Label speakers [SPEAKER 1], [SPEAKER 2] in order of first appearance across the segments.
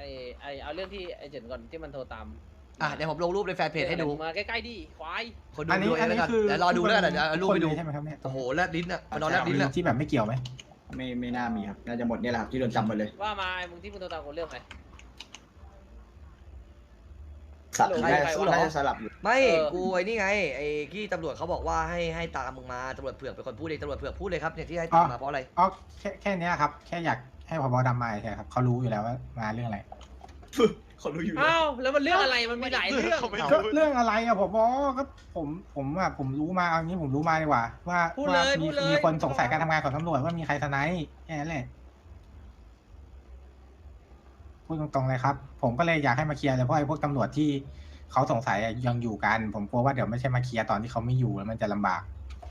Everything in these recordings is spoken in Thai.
[SPEAKER 1] เอาเรื่องที่ไอเฉินก่อนที่มันโทรตาม
[SPEAKER 2] เดี๋ยวผมลงรูปในแฟนเพจให้ดู
[SPEAKER 1] มาใกล้ๆดิควาย
[SPEAKER 2] คนดูด้วยแล้วกันเดี๋ยวรอดูแล้วกันเดี๋ยวรูปไปดู
[SPEAKER 3] ใช่ไหมครับเนี่ย
[SPEAKER 2] โอ้โหแลบลิ้นอ่ะนอนแลบลิ้นอ่ะ
[SPEAKER 3] ที่แบบไม่เกี่ยวไหม
[SPEAKER 4] ไม่น่ามีครับน่าจะหมดเนี่ยแหละครับที่โดนจำหมดเลย
[SPEAKER 1] ว่ามามึงที่มึงโทรตามกูเรื่องอะไร
[SPEAKER 4] สับน่าจะสลับอยู่
[SPEAKER 2] ไม่กูไอ้นี่ไงไอ้ที่ตำรวจเขาบอกว่าให้ตามมึงมาตำรวจเผือกเป็นคนพูดเองตำรวจเผือกพูดเลยครับเนี่ยที่ให้ตามมาเพราะอะไร
[SPEAKER 3] แค่นี้ครับแค่อยากให้ผบ.ดำมาใช่ครับเขารู้อยู่แล้วว่ามาเรื่องอะไร
[SPEAKER 4] เขารู้อยู่
[SPEAKER 1] อ้าวแล้วมันเรื่องอะไรมันมีหลายเรื่อง
[SPEAKER 3] เรื่องอะไรอะผบ.ก็ผมรู้มาเอางี้ผมรู้มาดีกว่าว่ามีคนสงสัยการทำงานของตำรวจว่ามีใครสไนป์แค่นั้นแหละพูดตรงๆเลยครับผมก็เลยอยากให้มาเคลียร์เลยเพราะไอ้พวกตำรวจที่เขาสงสัยยังอยู่กันผมกลัวว่าเดี๋ยวไม่ใช่มาเคลียร์ตอนที่เขาไม่อยู่แล้วมันจะลำบาก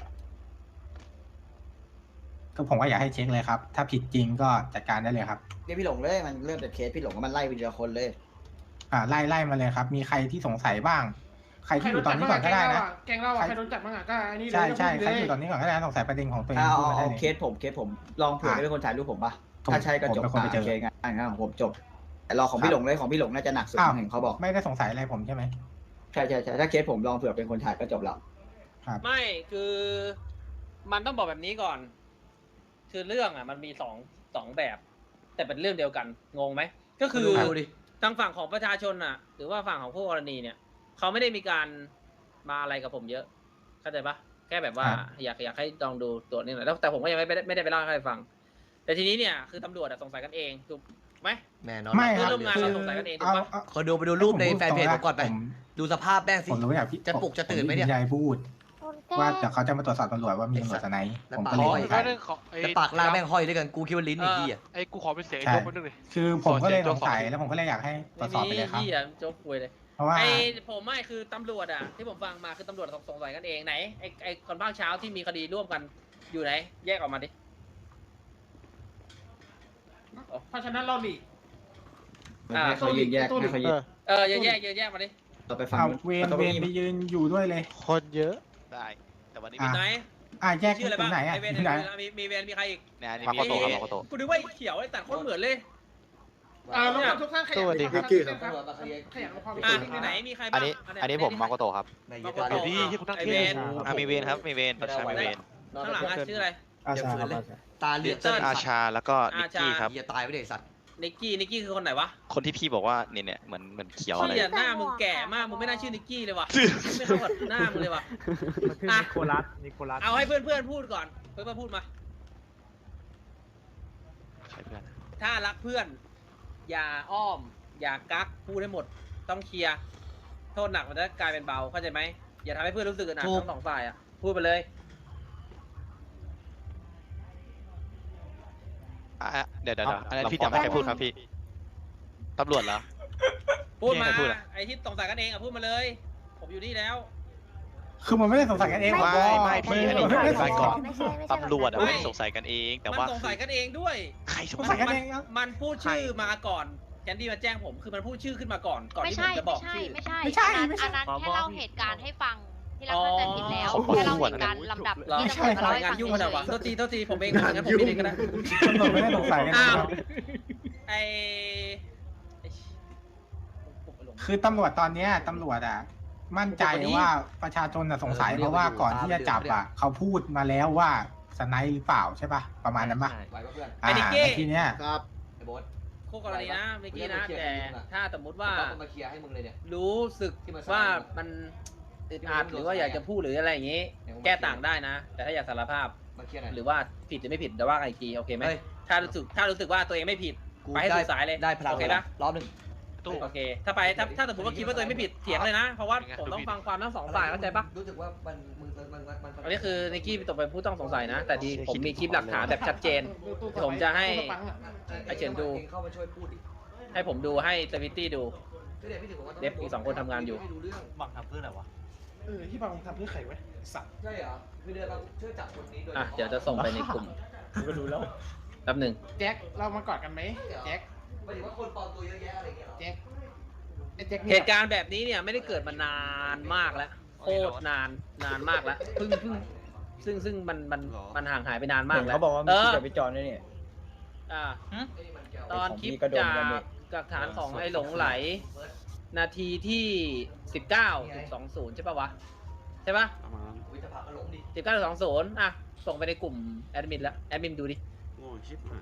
[SPEAKER 3] ก็ผมก็อยากให้เช็คเลยครับถ้าผิดจริงก็จัดการได้เลยครับ
[SPEAKER 4] เนี่ยพี่หลงเลยมันเริ่มจากเคสพี่หลงก็มันไล่ไปทีละคนเลย
[SPEAKER 3] ไล่มาเลยครับมีใครที่สงสัยบ้างใครที่อยู่ตอนนี้ก่อนก็ได้นะ
[SPEAKER 5] แกงเราใครโดนจับบ้างก็อันนี้
[SPEAKER 3] ใช่ใครอยู่ตอนนี้ก่อนก็ได้สงสัยประเด็นของตัวเองพูดมาได้เลย
[SPEAKER 4] เคสผมลองเผื่อเป็นคนถ่ายรูปผมปะถ้าใช่ก็จบโอเคงั้นของผมจบแต่รอของพี่หลงเลยของพี่หลงน่าจะหนักสุดเห็นเขาบอก
[SPEAKER 3] ไม่ได้สงสัยอะไรผมใช่ไหม
[SPEAKER 4] ใช่ถ้าเคสผมลองเผื่อเป็นคนถ่ายก็จบแล้ว
[SPEAKER 1] ไม่คือมันต้องบอกแบบนี้ก่อนคือเรื่องมันมีสองแบบแต่เป็นเรื่องเดียวกันงงไหมก็คือทางฝั่งของประชาชนหรือว่าฝั่งของผู้กรณีเนี่ยเขาไม่ได้มีการมาอะไรกับผมเยอะเข้าใจปะแค่แบบว่าอยากให้ลองดูตัวนี้หน่อยแล้วแต่ผมก็ยังไม่ได้ไปเล่าให้ใครฟังแต่ทีนี้เนี่ยคือตำรวจสงสัยกันเองถูกไหม
[SPEAKER 2] แน่นอน
[SPEAKER 3] ไม่
[SPEAKER 1] ครับร่วมงานเราสงสัยกันเองถูกปะ
[SPEAKER 2] ขอดูไปดูรูปในแฟนเพจผมก่อนไปดูสภาพแม่งสิจะปลุกจะตื่นไหมเนี่ย
[SPEAKER 3] ยายพูดว่าเดี๋ยวเขาจะมาตรวจสอบตำรวจว่ามีตำรวจสไนป์ผมก็เลย
[SPEAKER 2] จะปากล่างแม่งห้อยด้วยกันกูคิดว่าลิ้นไอ้ที่
[SPEAKER 5] ไอ้กูขอเป็นเสียงโจ๊กคนนึงเลย
[SPEAKER 3] คือผมก็เลยสงสัยแล้วผมก็เลยอยากให้ตรวจสอบไปเลยครับ
[SPEAKER 1] โจ๊กคุยเลย
[SPEAKER 3] เพราะว่า
[SPEAKER 1] ผมไม่คือตำรวจที่ผมฟังมาคือตำรวจสงสัยกันเองไหนไอ้คนภาคเช้าที่มีคดีร่วมกันอยู่ไหนแยกออกมาดิ
[SPEAKER 5] เพราะฉะนั้นเราหลี
[SPEAKER 4] เขายืนแยกเขายืน
[SPEAKER 1] แยกมาดิ
[SPEAKER 4] เราไปฟัง
[SPEAKER 3] เวนไปยืนอยู่ด้วยเลย
[SPEAKER 5] คนเยอะ
[SPEAKER 6] ได้แต่วันนี้
[SPEAKER 1] มีไหน
[SPEAKER 3] แยกที่ไหน
[SPEAKER 1] มีเวนมีใครอีก
[SPEAKER 6] เนี่ย
[SPEAKER 1] มาโตกูดูว่าเขียวไอ้แต่คนเหมือนเลย
[SPEAKER 5] ทุกท่านขยัน
[SPEAKER 1] ไหนมีใคร
[SPEAKER 6] บ้างอันนี้ผมมาโกโตครับ
[SPEAKER 5] ดีที่คุณตั้ง
[SPEAKER 1] เวน
[SPEAKER 6] มีเวนครับมีเวนประชามีเวน
[SPEAKER 1] ข้างหลังชื่ออะไร
[SPEAKER 2] ตาเลือด
[SPEAKER 6] อาชาแล้วก็นิกกี้ครับ
[SPEAKER 2] อย่าตายไปเด็กสัตว์
[SPEAKER 1] นิกกี้คือคนไหนวะ
[SPEAKER 6] คนที่พี่บอกว่าเนี่ยเหมือนเขียวอะไร
[SPEAKER 1] หน้ามึงแก่มากมึงไม่น่าชื่อนิกกี้เลยวะไม่เข้ากับหน้ามึงเลยวะ
[SPEAKER 5] นิโคลัส
[SPEAKER 1] เอาให้เพื่อนพูดก่อนเพื่อนพูดมาถ้ารักเพื่อนอย่าอ้อมอย่ากักพูดให้หมดต้องเคลียร์โทษหนักมันจะกลายเป็นเบาเข้าใจไหมอย่าทำให้เพื่อนรู้สึกอึดอัดทั้งสองฝ่ายพูดไปเลย
[SPEAKER 6] เดี๋ยวอะไรพี่จะไม่ให้พูดครับพี่ตำรวจเหรอ
[SPEAKER 1] พูดมาไอ้ที่สงสัยกันเองพูดมาเลยผมอยู่นี่แล้ว
[SPEAKER 3] คือมันไม่ได้สงสัยกันเอง
[SPEAKER 6] ไม่พี่อันนี้ไม่ได้ก่อนตำรวจไม่สงสัยกันเองแต่ว่า
[SPEAKER 1] สงสัยกันเองด้วย
[SPEAKER 6] ใคร
[SPEAKER 3] สงสัยกันเอง
[SPEAKER 1] มันพูดชื่อมาก่อนแคนดี้มาแจ้งผมคือมันพูดชื่อขึ้นมาก่อนที่ผมจะบอกชื่อ
[SPEAKER 7] ไม่ใช่อันนั้นแค่เล่าเหตุการณ์ให้ฟังที่เราเข้าใจผิดแล้วแค่เล่าเหตุการณ์ลำดับที่ตำรวจมาเล่าให้ฟัง
[SPEAKER 1] ยุ่งกันวะโทษทีผมเองงั้นผมเองก็ได้
[SPEAKER 3] ตำรวจไม่ได้สงสัยกันคือตำรวจตอนนี้ตำรวจมั่นใจว่าประชาชนสงสัยเพราะว่าก่อนที่จะจับเขาพูดมาแล้วว่าสไนป์หรือเปล่าใช่ป่ะประมาณนั้นป่ะทีเนี้ย
[SPEAKER 1] ครับคู่กรณีนะเมื่อกี้นะแต่ถ้าสมมติว่า
[SPEAKER 2] มาเคลียร์ให้มึงเลยเนี่ย
[SPEAKER 1] รู้สึกว่ามันอึดอัดหรือว่าอยากจะพูดหรืออะไรอย่างนี้แก้ต่างได้นะแต่ถ้าอยากสารภาพหรือว่าผิดหรือไม่ผิดแต่ว่าไอจีโอเคไหมถ้ารู้สึกว่าตัวเองไม่ผิดไปให้สุดสายเลย
[SPEAKER 2] ได้พลัง
[SPEAKER 1] โอเคนะ
[SPEAKER 2] รอบหนึ่ง
[SPEAKER 1] โอเคถ้าสมมติว่าคิดว่าตัวเองไม่ผิดเถียงเลยนะเพราะว่าผมต้องฟังความทั้งสองฝ่ายเข้าใจปะ
[SPEAKER 2] รู้สึกว่ามัน
[SPEAKER 1] อันนี้คือนิกกี้ตกเป็นผู้ต้องสงสัยนะแต่ดีผมมีคลิปหลักฐานแบบชัดเจนผมจะให้ไอเฉินดูให้ผมดูให้เซวิตี้ดูเดฟอีก2 คนทำงานอยู่
[SPEAKER 5] บังทำเพื่ออะไรวะที่บังทำเพื่อใครไว้สัตว์
[SPEAKER 2] ใช่เหรอคือเดี๋ยวเราช่วยจับคนนี้โดย
[SPEAKER 1] เดี๋ยวจะส่งไปในกลุ่ม
[SPEAKER 5] ก็ดูแล้ว
[SPEAKER 1] แป๊บนึง
[SPEAKER 5] แจ็คเรามากอดกันไหมแจ็ค
[SPEAKER 2] หมายถึงว่าคนปลอมตัวเยอะแยะอะไรเงี้ย
[SPEAKER 5] แจ็ค
[SPEAKER 1] เหตุการณ์แบบนี้เนี่ยไม่ได้เกิดมานานมากแล้วโคตรนานมากแล้วเพิ่งซึ่งมันห่างหายไปนานมากแล้ว
[SPEAKER 4] เขาบอกว่ามีคลิปไปจอนด้วยเนี่ย
[SPEAKER 1] ตอนคลิปจากหลักฐานของไอ้หลงไหล นาทีที่ 19.20 ใช่ปะวะ ใช่ปะ
[SPEAKER 8] ประมาณนั้น
[SPEAKER 2] วิทยาภาก็หลงดิ
[SPEAKER 1] 19.20 อ่ะ ส่งไปในกลุ่มแอดมินแล้ว แอดมินดูดิ
[SPEAKER 8] โง่ชิบหาย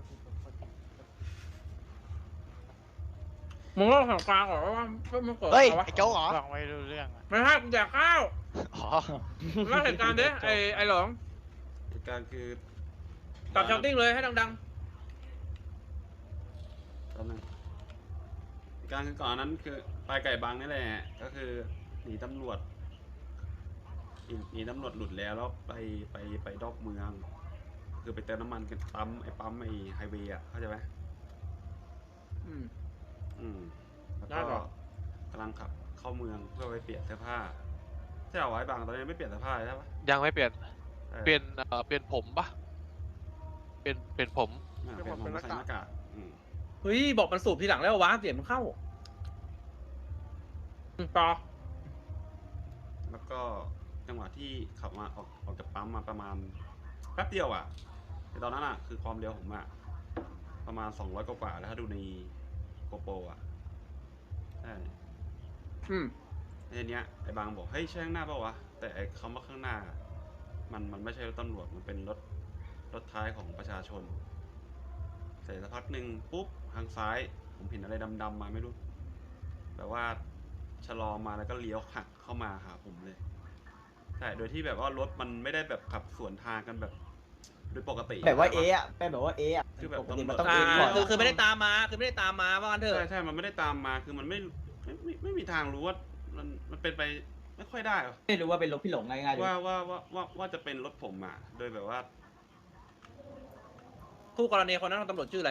[SPEAKER 1] มึงเล่าเหตุการณ์ก่อนว่ามันเกิด
[SPEAKER 6] เฮ้ย
[SPEAKER 1] อะไรวะ
[SPEAKER 6] ไอ้โจ๊กเหรอ
[SPEAKER 5] ฟังไม่รู้เรื่องอะ
[SPEAKER 1] ไม่ให้กูแดกข้าว
[SPEAKER 6] อ๋อ
[SPEAKER 1] เล่าเหตุการณ์ดิไอ้หลง
[SPEAKER 8] เหตุการณ์คือ
[SPEAKER 1] กับชาวติ้งเลยให้ดัง
[SPEAKER 8] ตอนนึงเหตุการณ์คือก่อนนั้นคือไปไก่บางนี่แหละก็คือหนีตำรวจหนีตำรวจหลุดแล้วไปดอกเมือง คือไปเติมน้ำมันกันปั๊มไอ้ไฮเวย์อ่ะเข้าใจไหม
[SPEAKER 1] ๆ
[SPEAKER 8] แล้ว
[SPEAKER 1] ได้
[SPEAKER 8] ก็
[SPEAKER 1] หรอ
[SPEAKER 8] กำลังขับเข้าเมืองเพื่อไปเปลี่ยนเสื้อผ้าใช่เหรอไอ้บางตอนนี้ไม่เปลี่ยนเสื้อผ้าใช่ปะ
[SPEAKER 6] ยังไม่เปลี่ยน
[SPEAKER 8] ออ
[SPEAKER 6] เปลี่ยนผมปะเปลี่ยนผม
[SPEAKER 8] เปลี่ยนผมใส่หน้ากาก
[SPEAKER 1] เฮ้ย บอกมันสูบทีหลังแล้ววะเสียงมันเข้าต่อ
[SPEAKER 8] แล้วก็จังหวะที่ขับมาออกจากปั๊มมาประมาณแป๊บเดียวอ่ะแต่ตอนนั้นอ่ะคือความเร็วผมอ่ะประมาณ200กว่าแล้วถ้าดูในโกโปรอ่ะใช่ในเนี้ยไอ้บางบอกเฮ้ยใช่ข้างหน้าเปล่าวะแต่ไอ้คำว่าข้างหน้ามันไม่ใช่รถตำรวจมันเป็นรถท้ายของประชาชนเสร็จสักพักหนึ่งปุ๊บทางซ้ายผมเห็นอะไรดำๆมาไม่รู้แบบว่าชะลอมาแล้วก็เลี้ยวหักเข้ามาหาผมเลยใช่โดยที่แบบว่ารถมันไม่ได้แบบขับสวนทางกันแบบโดยปกติ
[SPEAKER 4] แบบว่าเอะเป็นแบบว่าเอะ
[SPEAKER 8] คือแบบ
[SPEAKER 4] ปกติ
[SPEAKER 8] ตำรวจ
[SPEAKER 4] มันต้อง
[SPEAKER 1] อ่า
[SPEAKER 4] เอะก่อน
[SPEAKER 1] คือไม่ได้ตามมาว่างั้นเถอะ
[SPEAKER 8] ใช่มันไม่ได้ตามมาคือมันไม่มีทางรู้ว่ามันเป็นไปไม่ค่อยได้หรอ
[SPEAKER 4] ไม่รู้ว่าเป็นรถพี่หลงง่ายๆเลย
[SPEAKER 8] ว่าจะเป็นรถผมอ่ะโดยแบบว่า
[SPEAKER 1] คู่กรณีคนนั้นตำรวจชื่ออะไร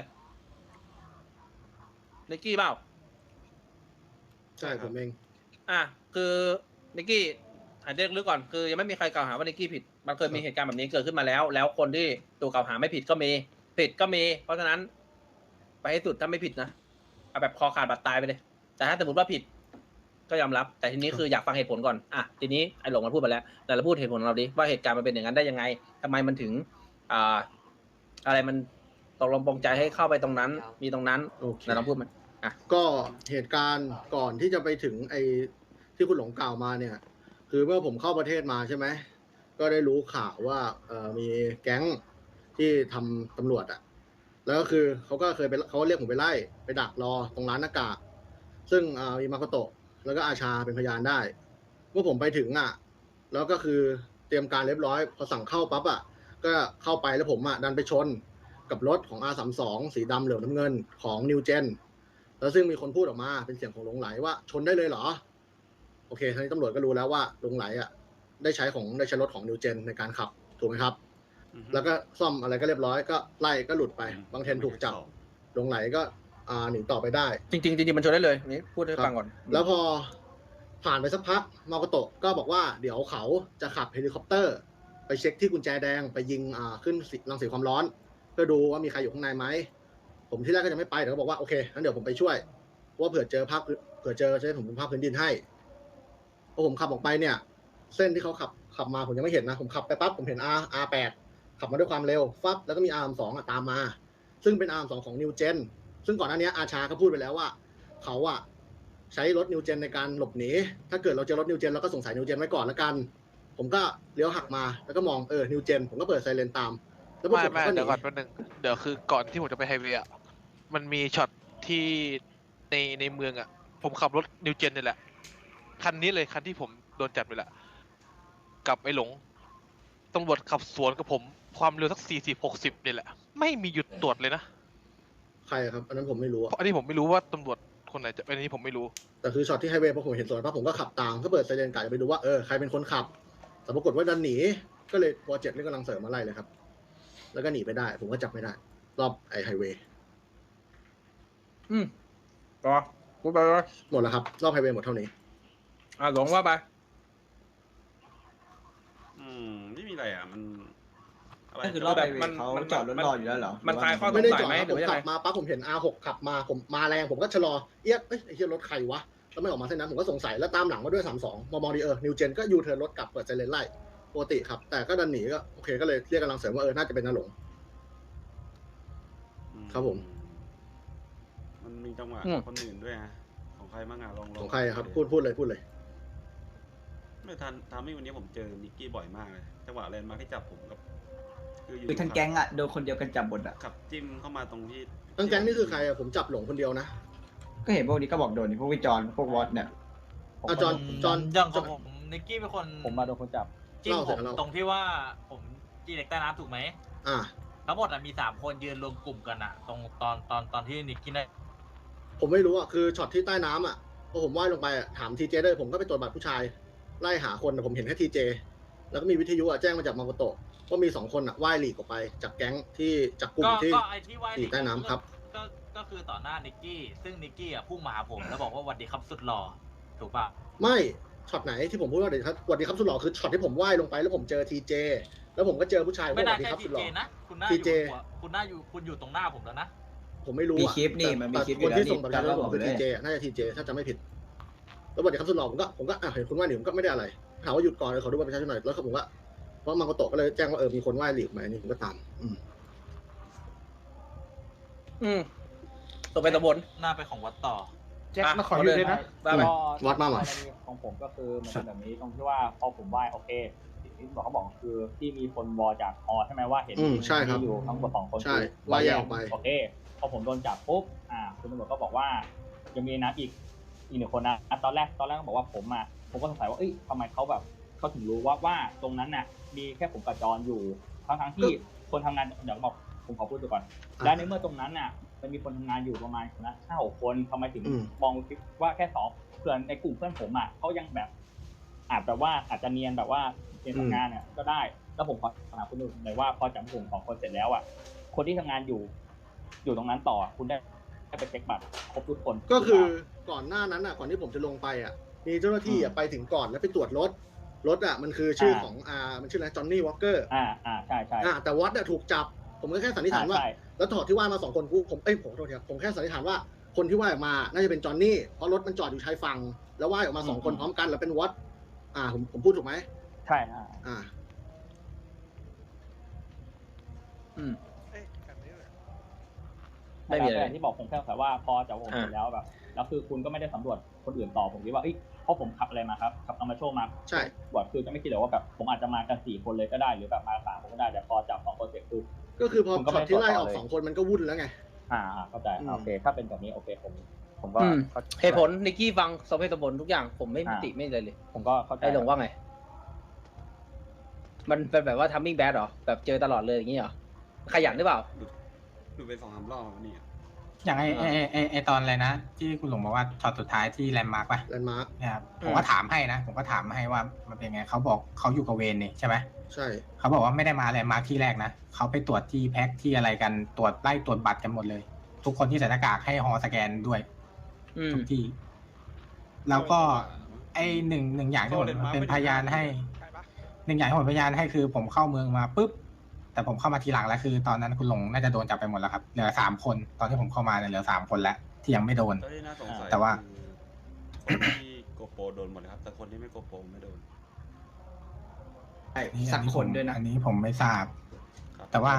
[SPEAKER 1] นิกกี้เปล่า
[SPEAKER 5] ใช่ผมเอง
[SPEAKER 1] อ่ะคือนิกกี้หายใจลึกก่อนคือยังไม่มีใครกล่าวหาว่านิกกี้ผิดมันเคยมีเหตุการณ์แบบนี้เกิดขึ้นมาแล้ว แล้วคนที่ถูกกล่าวหาไม่ผิดก็มีผิดก็มี เพราะฉะนั้น ไปให้สุดถ้าไม่ผิดนะเอาแบบคอขาดบาดตายไปเลย แต่ถ้าสมมติว่าผิด ก็ยอมรับ แต่ทีนี้คืออยากฟังเหตุผลก่อนอ่ะทีนี้ไอ้หลงมันพูดไปแล้วแต่เราพูดเหตุผลของเราดิว่าเหตุการณ์มันเป็นอย่างนั้นได้ยังไงทำไมมันถึงอะไรมันตกลงปรงใจให้เข้าไปตรงนั้น มีตรงนั้น
[SPEAKER 5] โอเค
[SPEAKER 1] ไหนลองพูดมัน
[SPEAKER 5] ก็เหตุการณ์ก่อนที่จะไปถึงไอ้ที่คุณหลงกล่าวมาเนี่ย คือเมื่อผมเข้าประเทศมาใช่ไหมก็ได้รู้ข่าวว่ามีแก๊งที่ทำตำรวจอ่ะแล้วก็คือเขาก็เคยไปเขาเรียกผมไปไล่ไปดักรอตรงร้านหน้ากากซึ่งมีมาโคโตะแล้วก็อาชาเป็นพยานได้เมื่อผมไปถึงอ่ะแล้วก็คือเตรียมการเรียบร้อยพอสั่งเข้าปั๊บอ่ะก็เข้าไปแล้วผมอ่ะดันไปชนกับรถของ R32 สีดำเหลืองน้ำเงินของ New Gen แล้วซึ่งมีคนพูดออกมาเป็นเสียงของหลงไหลว่าชนได้เลยเหรอโอเคทีนี้ตำรวจก็รู้แล้วว่าหลงไหลอ่ะได้ใช้รถของ New Gen ในการขับถูกไหมครับแล้วก็ซ่อมอะไรก็เรียบร้อยก็ไล่ก็หลุดไปบางเทนถูกจับหลงไหลก็หนีต่อไปได้
[SPEAKER 1] จริงๆมันชนได้เลยนี่พูดให้ฟังก่อน
[SPEAKER 5] แล้วพอผ่านไปสักพักมาโกโตะก็บอกว่าเดี๋ยวเขาจะขับเฮลิคอปเตอร์ไปเช็คที่กุญแจแดงไปยิงขึ้นรังสีความร้อนเพื่อดูว่ามีใครอยู่ข้างในไหมผมที่แรกก็จะไม่ไปแต่ก็บอกว่าโอเคงั้นเดี๋ยวผมไปช่วยเพราะว่าเผื่อเจอจะให้ผมเป็นภาพพื้นดินให้พอผมขับออกไปเนี่ยเส้นที่เขาขับมาผมยังไม่เห็นนะผมขับไปปั๊บผมเห็น R8 ขับมาด้วยความเร็วฟับแล้วก็มี R2 ตามมาซึ่งเป็น R2 ของ New Gen ซึ่งก่อนหน้านี้อาชาก็พูดไปแล้วว่าเขาใช้รถนิวเจนในการหลบหนีถ้าเกิดเราเจอรถนิวเจนเราก็สงสัยนิวเจนไว้ก่อนละกันผมก็เลี้ยวหักมาแล้วก็มองนิวเจนผมก็เปิดไซเรนตามแล้วพวกผมก็หนี
[SPEAKER 6] เดี๋ยวก่อนแป๊บนึงเดี๋ยวคือก่อนที่ผมจะไปไฮเวย์อะมันมีช็อตที่ในเมืองอะผมขับรถนิวเจนนี่แหละคันนี้เลยคันที่ผมโดนจับไปแหละกับไอ้หลงตำรวจขับสวนกับผมความเร็วสัก40-60นี่แหละไม่มีหยุดตรวจเลยนะ
[SPEAKER 5] ใครครับอันนั้นผมไม่รู้
[SPEAKER 6] เพราะอันนี้ผมไม่รู้ว่าตำรวจคนไหนจะเป็นอันนี้ผมไม่รู้
[SPEAKER 5] แต่คือช็อตที่ไฮเวย์พอผมเห็นสวนปั๊บผมก็ขับตามก็เปิดไซเรนกะจะไปดูว่าใครเป็นคนขับแต่ปรากฏว่าดันหนีก็เลยโปรเจกต์นี่กำลังเสริมมาไล่เลยครับแล้วก็หนีไปได้ผมก็จับไม่ได้รอบไอไฮเวย์
[SPEAKER 1] ต่อพูดไปเลย
[SPEAKER 5] หมดแล้วครับรอบไฮเวย์หมดเท่านี้
[SPEAKER 1] หลงว่าไป
[SPEAKER 8] ไม่มีอะไรอ่ะมันอะไร
[SPEAKER 4] ก็คือรอบไปเขาจอดรถรออยู่แล้วเหรอ
[SPEAKER 1] มันคลายข้อส
[SPEAKER 5] ไม่
[SPEAKER 1] ง
[SPEAKER 5] ได้
[SPEAKER 1] สั
[SPEAKER 5] จ
[SPEAKER 1] ย
[SPEAKER 5] อด
[SPEAKER 1] ไหม
[SPEAKER 5] นะ
[SPEAKER 1] ห
[SPEAKER 5] ผ
[SPEAKER 1] รือ
[SPEAKER 5] ม
[SPEAKER 1] ยัง
[SPEAKER 5] ขั
[SPEAKER 1] ไง
[SPEAKER 5] บมาปั๊บผมเห็น R6 ขับมาผมมาแรงผมก็ชะลอไอ้เหี้ยรถใครวะแล้วไม่ออกมาเส้นนั้นผมก็สงสัยแล้วตามหลังมาด้วย32มองดีนิวเจนก็ยูเทิร์นรถกลับเปิดไซเรนไล่ปกติครับแต่ก็ดันหนีก็โอเคก็เลยเรียกกำลังเสริมว่าน่าจะเป็นนาหลง ครับผม
[SPEAKER 8] มมันมีจังหวะคนอื่นด้วยนะของใครบ้างอะลอง
[SPEAKER 5] ของใครอะครับพูดเลย
[SPEAKER 8] ไม่ทันทำให้วันนี้ผมเจอนิกกี้บ่อยมากเลยจังหวะแลนด์มาร์คที่จับผมกับอยู่
[SPEAKER 4] คือทั้งแก๊งอะโดนคนเดียวกันจับหมดอะ
[SPEAKER 8] ขับจิ้มเข้ามาตรงที่
[SPEAKER 5] ทั้งแก๊งนี่คือใครอะผมจับหลงคนเดียวนะ
[SPEAKER 4] ก็เห็นพวกนี้ก็บอกโดนพวกวิจารณ์พวกวอตเนี่ย
[SPEAKER 5] จอน
[SPEAKER 9] อย่างของผมนิกกี้เป็นคน
[SPEAKER 10] ผมมาโดนคนจับ
[SPEAKER 9] จิ้ม
[SPEAKER 5] เล่า
[SPEAKER 9] ผ
[SPEAKER 5] เสร็
[SPEAKER 9] ม
[SPEAKER 5] จแล้ว
[SPEAKER 9] ตรงที่ว่าผมจีเด็กใต้น้ำถูกไหม
[SPEAKER 5] อ่า
[SPEAKER 9] ทั้งหมดมี3 คนยืนรวมกลุ่มกันอะตรงตอนที่นิกกี้ได้
[SPEAKER 5] ผมไม่รู้อ่ะคือช็อตที่ใต้น้ำอ่ะพอผมว่ายลงไปอ่ะถามทีเจด้วยผมก็ไปตรวจบัตรผู้ชายไล่หาคนแต่ผมเห็นแค่ทีเจแล้วก็มีวิทยุอ่ะแจ้งมาจากมาโกโตะว่ามี2 คนอ่ะว่ายหลีกออกไปจากแก๊งที่จากกลุ่มที่
[SPEAKER 9] ก็ไอที่ว่าย
[SPEAKER 5] หลีกใต้น้ำครับ
[SPEAKER 9] ก็คือต่อหน้านิกกี้ซึ่งนิกกี้อะพุ่งมาหาผมแล้วบอกว่าสวัสดีครับสุดหล่อถูกป่ะ
[SPEAKER 5] ไม่ช็อตไหนที่ผมพูดว่าเดี๋ยวครับสวัสดีครับสุดหล่อคือช็อตที่ผมว่ายลงไปแล้วผมเจอทีเจแล้วผมก็เจอผู้ชายว่า
[SPEAKER 9] ไม่
[SPEAKER 5] ส
[SPEAKER 9] น่า
[SPEAKER 5] วัสดี
[SPEAKER 9] ใช่
[SPEAKER 5] ครับ
[SPEAKER 9] ที
[SPEAKER 5] สุดห
[SPEAKER 9] เจ
[SPEAKER 5] ล่อ
[SPEAKER 9] นะคุณน่า
[SPEAKER 5] TJ
[SPEAKER 9] คุณอยู่ตรงหน้าผมแล้วนะ
[SPEAKER 5] ผมไม่รู้
[SPEAKER 4] มี
[SPEAKER 5] อ่ะ
[SPEAKER 4] คลิปนี่มันมีคลิปอยู่
[SPEAKER 5] คน
[SPEAKER 4] แล้ว
[SPEAKER 5] ที่ส่งบัตรประชาชนผมคือ
[SPEAKER 4] เล
[SPEAKER 5] ที
[SPEAKER 4] ย
[SPEAKER 5] เจน่าจะทีเจถ้าจะไม่ผิดแล้วสวัสดีครับสุดหล่อผมก็เห็นคุณว่ายหลีกผมก็ไม่ได้อะไรถามว่าหยุดก่อนเลยขอดูบัตรประชาชนหน่อยแล้วผมก็เพราะมาโกโตะก็เลยแจ้งว่ามีคนว่ายหลีกมาอันนี้ผมก็ตาม
[SPEAKER 1] ตกไปตะบน
[SPEAKER 9] หน้าไปของวัดต่อ
[SPEAKER 10] แจ็คมาขออยู่ด้วยนะ
[SPEAKER 1] ว่าไป
[SPEAKER 5] วัดมาเหรอ
[SPEAKER 10] ของผมก็คือมันเป็นแบบนี้ตรงที่ว่าพอผมไหว้โอเคสิ่งที่เขาบอกคือที่มีคนวอจากอใช่ไหมว่าเห็น
[SPEAKER 5] ใช่ครับ
[SPEAKER 10] มีอยู่ทั้งหมด2 คน
[SPEAKER 5] ใช่ว่ายแยกออกไป
[SPEAKER 10] โอเคพอผมโดนจับปุ๊บคุณตำรวจก็บอกว่ายังมีนะอีก1 คนนะตอนแรกก็บอกว่าผมก็สงสัยว่าทำไมเขาถึงรู้ว่าตรงนั้นน่ะมีแค่ผมกับจอนอยู่ทั้งที่คนทำงานเดี๋ยวบอกผมขอพูดก่อนและในเมื่อตรงนั้นน่ะมันมีคนทำงานอยู่ประมาณนะ5-6 คนทำไมถึงมองว่าแค่2เพื่อนในกลุ่มเพื่อนผมเขายังแบบอาจจะเนียนแบบว่าเรียนทำงานเนี่ยก็ได้แล้วผมขอถามคุณดูหน่อยว่าพอจับกลุ่ม2 คนเสร็จแล้วคนที่ทำงานอยู่ตรงนั้นต่อคุณได้ไปเช็คบัตรครบทุกคน
[SPEAKER 5] ก็คือก่อนหน้านั้นก่อนที่ผมจะลงไปมีเจ้าหน้าที่ไปถึงก่อนแล้วไปตรวจรถมันคือชื่อของมันชื่ออะไรจอห์นนี่วอลเกอร์
[SPEAKER 10] ใช่
[SPEAKER 5] แต่วัดถูกจับผมก็แค่สันนิษฐานว่าแล้วถอดที่ว่ายมา2 คนผมโทษทีครับผมแค่สันนิษฐานว่าคนที่ว่ายออกมาน่าจะเป็นจอห์นนี่เพราะรถมันจอดอยู่ชายฝั่งแล้วว่ายออกมา2 คนพร้อมกันแล้วเป็นวัดผมพูดถูกไหม
[SPEAKER 10] ใช่ไม่มีอะไรที่บอกผมแค่แต่ว่าพอจับผมเสร็จแล้วแบบแล้วคือคุณก็ไม่ได้สำรวจคนอื่นต่อผมคิดว่าเพราะผมขับอะไรมาครับขับเอามาโชว์มา
[SPEAKER 5] ใช่
[SPEAKER 10] บอดคือจะไม่คิดเลยว่าแบบผมอาจจะมากัน4 คนเลยก็ได้หรือแบบมา3 คนก็ได้แต่พอจับ2 คนเสร็จคือ
[SPEAKER 5] ก็คือพอช็อตที่ไล่ออก2 คนมันก็วุ่นแล้วไง
[SPEAKER 10] เข้าใจโอเคถ้าเป็นแบบนี้โอเคผมก็
[SPEAKER 1] เหตุผลนิกกี้ฟังสมเหตุสมผลทุกอย่างผมไม่ติไม่เลย
[SPEAKER 10] ผมก็เข้าใจ
[SPEAKER 1] ไอ้หลงว่าไงมันเป็นแบบว่าทัมมิ่งแบดหรอแบบเจอตลอดเลยอย่างนี้เหรอขยันหรือเปล่า
[SPEAKER 8] ดูไป2-3 รอบนี่
[SPEAKER 3] อย่างไอตอนอะไรนะที่คุณหลงบอกว่าช็อตสุดท้ายที่แลนด์มาร์กป่ะ
[SPEAKER 5] แลนด์มาร์ก
[SPEAKER 3] นะครับผมก็ถามให้ว่ามันเป็นไงเขาบอกเขาอยู่กับเวนนี่ใช่ไหม
[SPEAKER 5] ใช่
[SPEAKER 3] เขาบอกว่าไม่ได้มาแลนด์มาร์กที่แรกนะเขาไปตรวจที่แพ็คที่อะไรกันตรวจไล่ตรวจบัตรกันหมดเลยทุกคนที่ใส่หน้ากากให้ฮอสแกนด้วยทุกที่แล้วก็ไอหนึ่งอย่างที่ผมเป็นพยานให้1 อย่างที่ผมพยานให้คือผมเข้าเมืองมาปุ๊บแต่ผมเข้ามาทีหลังแล้วคือตอนนั้นคุณหลงน่าจะโดนจับไปหมดแล้วครับเหลือ3 คนตอนที่ผมเข้ามาเนี่ยเหลือ3 คนแล้วที่ยังไม่โดนแต่ว่า
[SPEAKER 8] คนที่โกโปโดนหมดเลยครับแต่คนที่ไม่โกโปไม่โดน
[SPEAKER 4] สักคนด้วยนะ
[SPEAKER 3] อันนี้ผมไม่ทราบแต่ว่า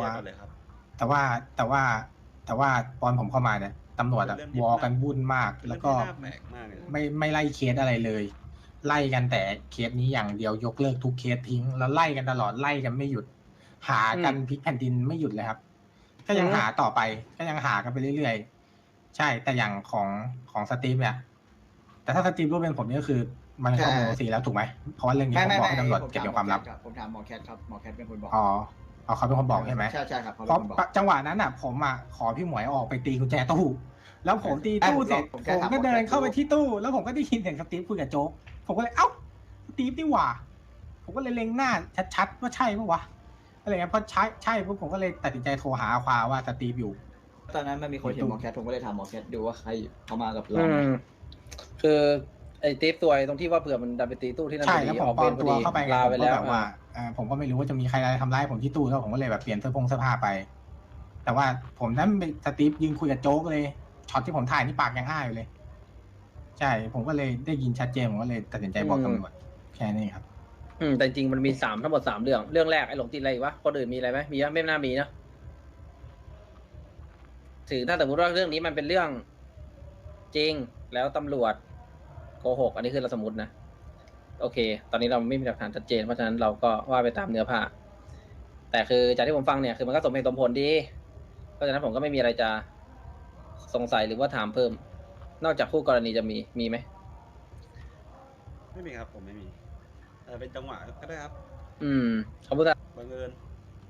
[SPEAKER 3] ตอนผมเข้ามาเนี่ยตำรวจวอกันวุ่นมากแล้วก็ไม่ไล่เคสอะไรเลยไล่กันแต่เคสนี้อย่างเดียวยกเลิกทุกเคสทิ้งแล้วไล่กันตลอดไล่กันไม่หยุดหากันพลิกแผ่นดินไม่หยุดเลยครับก็ยังหาต่อไปก็ยังหากันไปเรื่อยๆใช่แต่อย่างของสตีฟเนี่ยแต่ถ้าสตีฟรู้เป็นผมนี่ก็คือมันเข้าโมซีแล้วถูกไหมเพราะว่าเรื่องนี้ผมบอกให้ตำรวจเก็บเป็นความลับ
[SPEAKER 4] ผมถามหมอแคทครับหมอแคทเป็นคนบอก
[SPEAKER 3] เขาเป็นคนบอกใช่ไหม
[SPEAKER 4] ใช่ครับ
[SPEAKER 3] เพราะจังหวะนั้นผมขอพี่หมวยออกไปตีกุญแจตู้แล้วผมตีตู้เสร็จผมก็เดินเข้าไปที่ตู้แล้วผมก็ได้ยินเสียงสตีฟคุยกับโจ๊กผมก็เลยสตีฟนี่หว่าผมก็เลยเล็งหน้าชัดๆว่าใช่ปะวะอะไรเงี้ยพอใช่ปุ๊บผมก็เลยตัดสินใจโทรหาอาควาว่าสตีฟอยู่
[SPEAKER 4] ตอนนั้นมันมีคนเห็นหมอแคทผมก็เลยถามหมอแคทดูว่าใครเขามากับเรา
[SPEAKER 1] คือไอ้ตีฟตัวตรงที่ว่าเผื่อมันดันไปตีตู้ที่นั่น
[SPEAKER 3] ใช่แล้วผมปลอมตัวเข้าไปลาไปแล้วว่าผมก็ไม่รู้ว่าจะมีใครทำร้ายผมที่ตู้แล้วผมก็เลยแบบเปลี่ยนเสื้อผ้าไปแต่ว่าผมนั้นเป็นสตีฟยืนคุยกับโจ๊กเลยช็อตที่ผมถ่ายนี่ปากยังอ้าอยู่เลยใช่ผมก็เลยได้ยินชัดเจนผมก็เลยตัดสินใจบอกตำรวจแค่นี้ครับ
[SPEAKER 1] แต่จริงมันมีทั้งหมด3 เรื่องแรกไอ้หลงติดอะไรวะคนอื่นมีอะไรไหมมีไหมไม่น่ามีนะถึงถ้าสมมติว่าเรื่องนี้มันเป็นเรื่องจริงแล้วตำรวจโกหกอันนี้คือเราสมมตินะโอเค ตอนนี้เราไม่มีหลักฐานชัดเจนเพราะฉะนั้นเราก็ว่าไปตามเนื้อผ้าแต่คือจากที่ผมฟังเนี่ยคือมันก็สมเหตุสมผลดีเพราะฉะนั้นผมก็ไม่มีอะไรจะสงสัยหรือว่าถามเพิ่ม นอกจากคู่กรณีจะมีไหม
[SPEAKER 8] ไม่มีครับผมไม่มีแต่เป็นจังหวะก็ได้ครับ
[SPEAKER 1] ขอบคุณครับ
[SPEAKER 8] บังเอิญ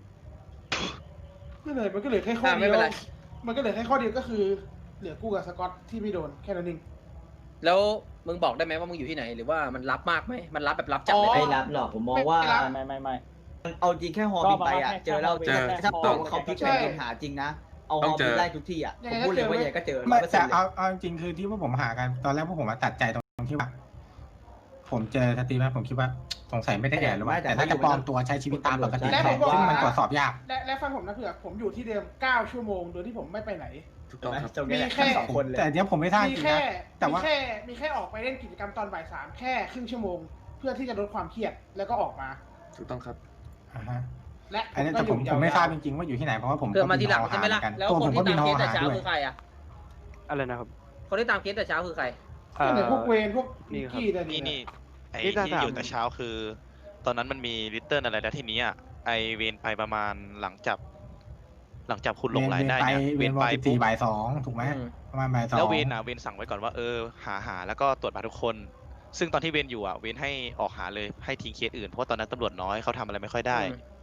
[SPEAKER 11] นั่นเลยมันก็เหลือแค่ข้อ
[SPEAKER 1] ไม่
[SPEAKER 11] เดีย
[SPEAKER 1] เป็น
[SPEAKER 11] ว
[SPEAKER 1] ไร
[SPEAKER 11] มันก็เหลือแค่ข้อเดียวก็คือเหลือกูกับสกอตที่ไม่โดนแค่นั้นเอง
[SPEAKER 1] แล้วมึงบอกได้ไหมว่ามึงอยู่ที่ไหนหรือว่ามันรับมากไหมมันรับแบบรับจัดเลยไหม
[SPEAKER 4] ไม่รับหรอกผมมองว่า
[SPEAKER 10] ไม่
[SPEAKER 4] เอาจริงแค่ฮอบินไปอ่ะเจอแล้วถ้าบอกว่าเขาพลิกแผ่นดินหาจริงนะเอาฮอบินไล่ทุกที่อ่ะผมพูดเลยว่าใหญ่ก็เจอ
[SPEAKER 3] ไม่
[SPEAKER 4] 100%
[SPEAKER 3] แต่
[SPEAKER 4] เลย
[SPEAKER 3] เอาจริงๆคือที่พวกผมหากันตอนแรกพวกผมตัดใจตรงที่ว่า ผมเจอสตรีมแล้วผมคิดว่าสงสัยไม่ได้แดดหรือว่าแต่น่าจะปลอมตัวใช้ชีวิตตามปกติแทนซึ่งมันตรวจสอบยาก
[SPEAKER 11] และฟังผมนะเผื่อผมอยู่ที่เดิม9 ชั่วโมงโดยที่ผมไม่ไปไหน
[SPEAKER 8] ถูกต้องครับ
[SPEAKER 4] มีแค่2 คนเลย
[SPEAKER 3] แต่เดี๋ยวผมไม่ทราบจ
[SPEAKER 11] มี
[SPEAKER 3] ริง
[SPEAKER 11] แค่
[SPEAKER 3] นะแต่ว่า
[SPEAKER 11] มีแค่ออกไปเล่นกิจกรรมตอนบ่าย 3แค่ครึ่งชั่วโมง เพื่อที่จะลดความเครียดแล้วก็ออกมา
[SPEAKER 8] ถูกต้องครับ
[SPEAKER 11] และ
[SPEAKER 3] อันนี้แต่ผมไม่ทราบจริงๆว่าอยู่ที่ไหนเพราะว่าผม
[SPEAKER 1] เกิดมาทีหลังใช่ไหมล่ะแล้ว
[SPEAKER 3] ตัว
[SPEAKER 1] ค
[SPEAKER 3] ผ
[SPEAKER 1] น
[SPEAKER 3] มก็
[SPEAKER 1] ที่
[SPEAKER 3] บิ
[SPEAKER 1] ตาน ม
[SPEAKER 3] ฮ
[SPEAKER 1] เค
[SPEAKER 3] อ
[SPEAKER 1] สแต่
[SPEAKER 3] หา
[SPEAKER 1] เช้า
[SPEAKER 3] ด้วย
[SPEAKER 1] คือใครอ่ะ
[SPEAKER 12] อะไรนะครับ
[SPEAKER 1] คนที่ตามเคสแต่เช้าคือใคร
[SPEAKER 11] ก็เหลือพวกเวรพวก
[SPEAKER 12] นี่ครับ
[SPEAKER 11] กี้แต่นี่
[SPEAKER 12] นี่
[SPEAKER 13] ไอ้
[SPEAKER 12] นี่ถ้า
[SPEAKER 13] ที่
[SPEAKER 12] ถาม
[SPEAKER 13] อยู่แต่เช้าคือ ตอนนั้นมันมีลิตเติ้ลอะไรแล้วทีนี้อ่ะไอเวนไปประมาณหลังจากคุณหลงไหลได้เนี่ย
[SPEAKER 3] เวนไป
[SPEAKER 13] ปุ๊บ
[SPEAKER 3] 14 บ่าย 2ถูกไหมประมาณบ่าย 2
[SPEAKER 13] แล้วเวนสั่งไว้ก่อนว่าหาแล้วก็ตรวจบัตรทุกคน ซึ่งตอนที่เวนอยู่อ่ะเวนให้ออกหาเลยให้ทิ้งเคสอื่นเพราะว่าตอนนั้นตำรวจน้อยเขาทำอะไรไม่ค่อยได้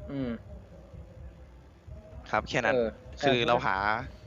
[SPEAKER 13] ครับแค่นั้นคือเราหา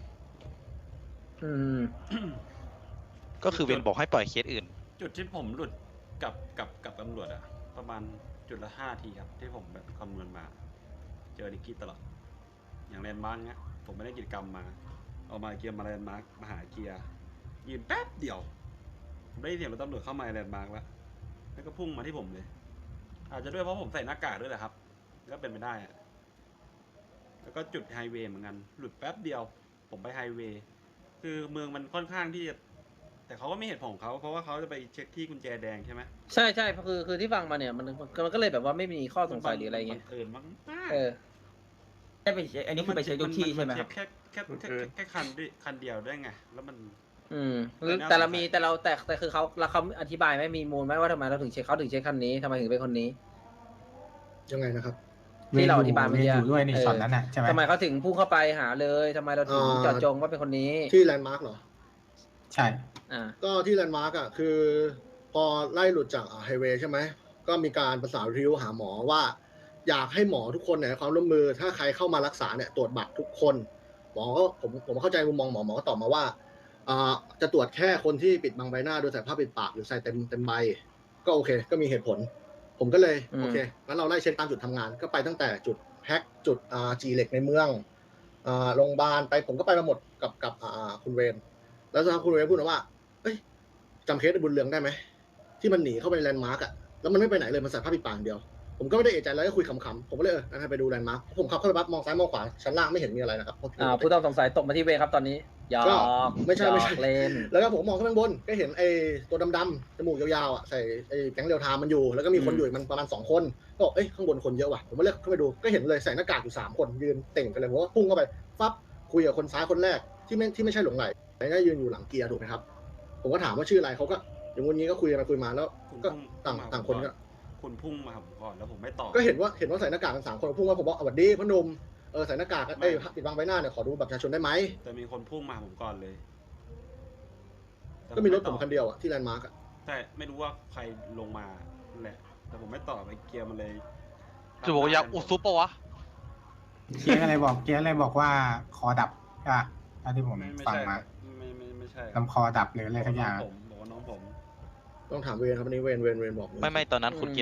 [SPEAKER 13] ก็คือเวนบอกให้ปล่อยเคสอื่น
[SPEAKER 8] จุดที่ผมหลุดกับตำรวจอะประมาณจุดละ5 ทีครับที่ผมแบบคำนวณมา เจอดิกกี้ตลอดอย่างแลนด์มาร์กเนี้ยผมไม่ได้กิจกรรมมาเอามาเกียร์มาแลนด์มาร์กมาหาเกียร์ยืนแป๊บเดียวผมได้ยินเสียงรถตำรวจเข้ามาแลนด์มาร์กแล้วก็พุ่งมาที่ผมเลย อาจจะด้วยเพราะผมใส่หน้ากากด้วยแหละครับก็เป็นไปได้อะแล้วก็จุดไฮเวย์เหมือนกันหลุดแป๊บเดียวผมไปไฮเวย์คือเมืองมันค่อนข้างที่จะแต่เขาก็ไม่เหตุผลของเขาเพราะว่าเขาจะไปเช็คที่กุญแจแดงใช่ไหม
[SPEAKER 1] ใช่คือที่ฟังมาเนี่ยมันก็เลยแบบว่าไม่มีข้อสงสัยหรืออะไรเงี้ย
[SPEAKER 8] อื่นมั้ง
[SPEAKER 4] ได้ไปเช็คอันนี้คือไปเช็คทุกที่ใช่ไหมครับ
[SPEAKER 8] แค่คันเดียวได้ไงแล้วมัน
[SPEAKER 1] แต่คือเขาอธิบายไหมมีมูลไหมว่าทำไมเราถึงเช็คคันนี้ทำไมถึงเป็นคนนี้
[SPEAKER 5] ยังไงนะครับ
[SPEAKER 1] ที่เราอธิบายเมื่อกี้
[SPEAKER 3] อยู่ด้วยในช็อตนั้นน่ะใช่ไหม
[SPEAKER 1] ทำไมเขาถึงพุ่งเข้าไปหาเลยทำไมเราถึงเจาะจงว่าเป็นคนนี้
[SPEAKER 5] ที่แลนด์มาร์กเหรอ
[SPEAKER 3] ใช่
[SPEAKER 5] ก็ที่แลนด์มาร์กอ่ะคือพอไล่หลุดจากไฮเวย์ใช่ไหมก็มีการประสานริ้วหาหมอว่าอยากให้หมอทุกคนเนี่ยความร่วมมือถ้าใครเข้ามารักษาเนี่ยตรวจบัตรทุกคนหมอก็ผมเข้าใจมุมมองหมอก็ตอบมาว่าจะตรวจแค่คนที่ปิดบังใบหน้าโดยใส่ผ้าปิดปากหรือใส่เต็มใบก็โอเคก็มีเหตุผลผมก็เลยโอเคงั้นเราไล่เช็คตามจุดทำงานก็ไปตั้งแต่จุดแพ็คจุดจีเหล็กในเมืองโรงพยาบาลไปผมก็ไปมาหมดกับคุณเวนแล้วสักพักคุณเวนพูดว่าเอ้ยจำเคสบุญเรืองได้ไหมที่มันหนีเข้าไปในแลนด์มาร์กอ่ะแล้วมันไม่ไปไหนเลยมันใส่ผ้าปิดปากเดียวผมก็ไม่ได้เอะใจแล้วก็คุยขำๆผมก็เลยงั้นไปดูแลนด์มาร์กผมขับเข้าไปปั๊บมองซ้ายมองขวาชั้นล่างไม่เห็นมีอะไรนะครับ
[SPEAKER 1] ผู้ต้องสงสัยตกมาที่เวครับตอนนี้หยอก
[SPEAKER 5] ไม่ใช่
[SPEAKER 1] เล่น
[SPEAKER 5] แล้วก็ผมมองขึ้นไปบนก็เห็นไอ้ตัวดำๆจมูกยาวๆอ่ะใส่ไอ้แก๊งเรียวไทม์มันอยู่แล้วก็มีคนอยู่มันประมาณ2 คนก็เอ้ยข้างบนคนเยอะว่ะผมก็เลือกเข้าไปดูก็เห็นเลยใส่หน้ากากอยู่3 คนยืนเต่งกันเลยผมว่าพุ่งเข้าไปปั๊บคุยกับคนซ้ายคนแรกที่ไม่ใช่หลงไหลแต่ยืนอยู่หลังเกียร์ถูกไหมครับผมก็ถามว่าชื่ออะไรเขาก็อย่างวันนี้ก็คุยกันไปคุยมาแล้วก็ต่างคนก็
[SPEAKER 8] คุณพุ่งมาผมก่อนแล้วผมไม่ตอบ
[SPEAKER 5] ก็เห็นว่าใส่หน้ากากกัน3 คนพุ่งมาผมบอกสวัสดีพ่อหนุ่มใส่หน้ากากปิดบังใบหน้าเนี่ยขอดูบัตรประชาชนได้ไหม
[SPEAKER 8] แต่มีคนพุ่งมาผมก่อนเลย
[SPEAKER 5] ก็มีรถผมคันเดียวอ่ะที่แลนด์มาร์กอ่ะ
[SPEAKER 8] แต่ไม่รู้ว่าใครลงมาแหละแต่ผมไม่ตอบไอ้เกียร์มันเลย
[SPEAKER 6] จะบอกอยากอุซุปปะวะ
[SPEAKER 3] เกียร์อะไรบอกว่าคอดับอ่ะที่ผมฟังมา
[SPEAKER 8] ไม่ใช่
[SPEAKER 3] ลำคอดับหรืออะไรทั้งอย่าง
[SPEAKER 8] ผมบอกว่าน้องผม
[SPEAKER 5] ต้องถามเวนครับวันนี้เวนบอก
[SPEAKER 13] ไม่ตอนนั้นคุณเกียร์